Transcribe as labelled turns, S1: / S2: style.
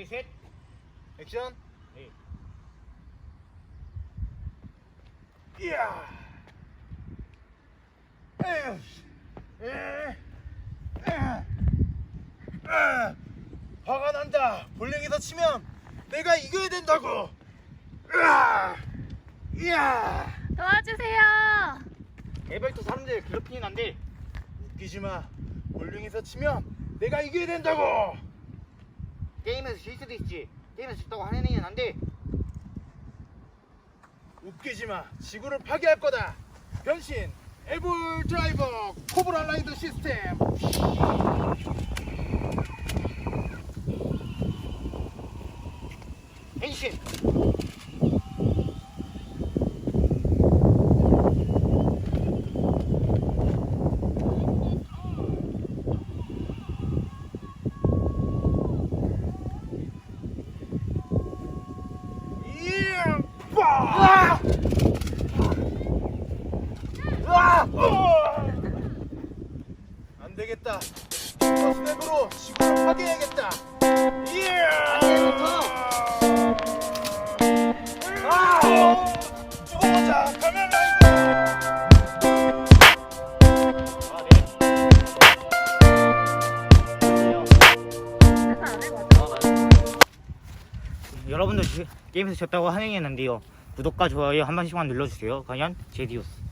S1: 둘, 셋.
S2: 액션.
S1: 네.
S2: 이야. 에휴. 에. 화가 난다. 볼링에서 치면 내가 이겨야 된다고. 이야.
S3: 도와주세요.
S1: 에버터 사람들 괴롭히는 안돼.
S2: 웃기지 마. 볼링에서 치면 내가 이겨야 된다고.
S1: 게임에서 질 수도 있지. 게임에서 졌다고 하는 얘기는 안돼.
S2: 웃기지 마. 지구를 파괴할 거다. 변신. 에볼 드라이버 코브라 라이더 시스템.
S1: 変身.
S2: 이야. 빠. 안 되겠다. 스냅으로 지구를 파괴해야겠다. 이야. 죽어보자. 가면 라이더.
S3: 그래서 안 해가지고.
S1: 여러분들 게임에서 졌다고 하는 얘기는 안돼요. 구독과 좋아요 한 번씩만 눌러주세요. 과연 제디오스.